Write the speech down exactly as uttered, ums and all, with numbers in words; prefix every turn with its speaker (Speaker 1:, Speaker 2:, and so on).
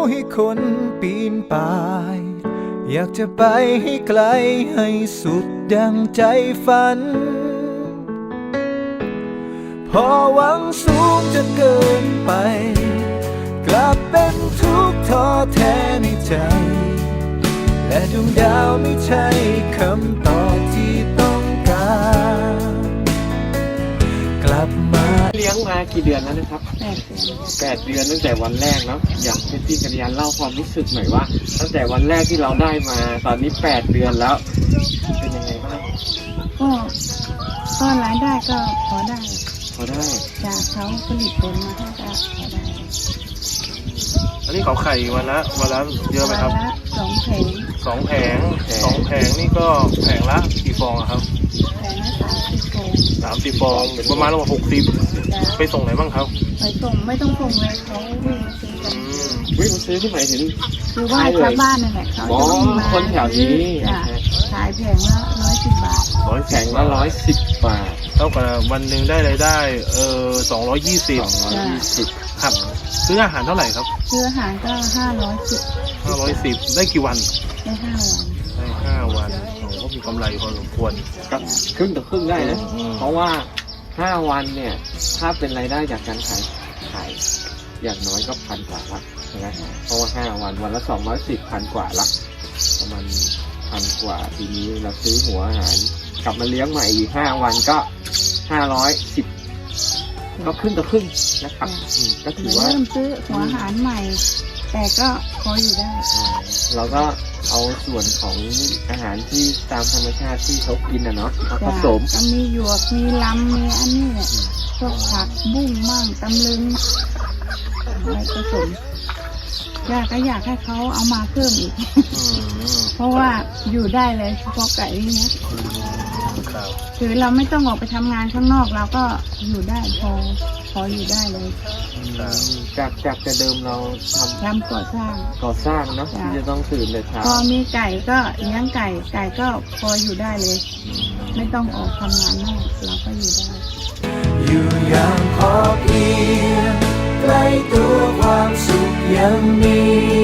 Speaker 1: ให้คนปีนป่ายอยากจะไปให้ไกลให้สุดดังใจฝันพอหวังสูงจนเกินไปกลับเป็นทุกข์ท้อแท้ในใจและดวงดาวไม่ใช่คำตอบที่ต้องการกลับมา
Speaker 2: เลี้ยงมากี่เดือนแล้วนะครับ
Speaker 3: แปดเดือน
Speaker 2: แปดเดือนตั้งแต่วันแรกเนาะอยากให้พี่กัญญาเล่าความรู้สึกหน่อยว่าตั้งแต่วันแรกที่เราได้มาตอนนี้แปดเดือนแล้วเป็นยังไงบ้าง
Speaker 3: ก็ก็รายได้ก็พอได้
Speaker 2: พอได้
Speaker 3: จากเขาผลิตผลมาก็พอได้
Speaker 4: อันนี้เขาไข่วันละวันละเยอะไหมครับ
Speaker 3: สองแผง
Speaker 4: สองแผงสองแผงนี่ก็แผงละกี่ฟองครับ
Speaker 3: แผงละสามสิบฟอง
Speaker 4: สามสิบฟองประมาณหกสิบไปส่งไหนบ้างครับ
Speaker 3: ไปส่งไม่ต้องส่งเลยเขาวิ่งมาซื้อกัน
Speaker 2: วิ่งมาซื้อที่ไหนถึง
Speaker 3: คือว่าชาวบ้านนั่นแหละเขาจะวิ่งมา
Speaker 2: คนแถวนี้
Speaker 3: ขายแผงละร้อยสิบบาท
Speaker 2: ร้อยแผงละร้อยสิบบาท
Speaker 4: เท่ากับวันหนึ่งได้รายได้เออสองร้อยยี่สิบ
Speaker 2: สองร้อยยี่สิบ
Speaker 4: ครับซื้ออาหารเท่าไหร่ครับ
Speaker 3: ซื้ออาหารก็ห้าร้อยสิบ
Speaker 4: ห้าร้อยสิบได้กี่วัน
Speaker 3: ได้ห้าวัน
Speaker 4: ได้ห้าวันโอ้ก็มีกำไรพอสมควร
Speaker 2: กับครึ่งต่อครึ่งได้นะเพราะว่าห้าวันเนี่ยถ้าเป็นรายได้จากการขายขายอย่างน้อยก็พันกว่าละนะเพราะว่าห้าวันวันละสองร้อยสิบพันกว่าละประมาณพันกว่าทีนี้เราซื้อหัวอาหารกลับมาเลี้ยงใหม่อีกห้าวันก็ห้าร้อยสิบก็ครึ่งต่อครึ่งนะครับก็ถือว่า
Speaker 3: เริ่มซื้อหัวอาหารใหม่แต่ก็พออยู่ได้
Speaker 2: เราก็เอาส่วนของอาหารที่ตามธรรมชาติที่เขากินนะเนาะมาผสม
Speaker 3: ก็มีหยวกมีลำมีอันนี้แหละพวกผักบุ้งมั่งตำลึงอะไรผสมอยากก็อยากให้เขาเอามาเพิ่มอีกเพราะว่าอยู่ได้เลยเฉพาะไก่เนี้ยคือเราไม่ต้องออกไปทำงานข้างนอกเราก็อยู่ได้พอพออยู่ได้เลย
Speaker 2: จากจากแต่เดิมเราทำ
Speaker 3: ทำก่อสร้าง
Speaker 2: ก่อสร้างเนาะที่จะต้องตื่นแต่เช้า
Speaker 3: พอมีไก่ก็เลี้ยงไก่ไก่ก็พออยู่ได้เลยไม่ต้องออกทำงานนอกเราก็อยู่ได้
Speaker 1: อยู่อย่างพอเพียงใกล้ตัวความสุขยังมี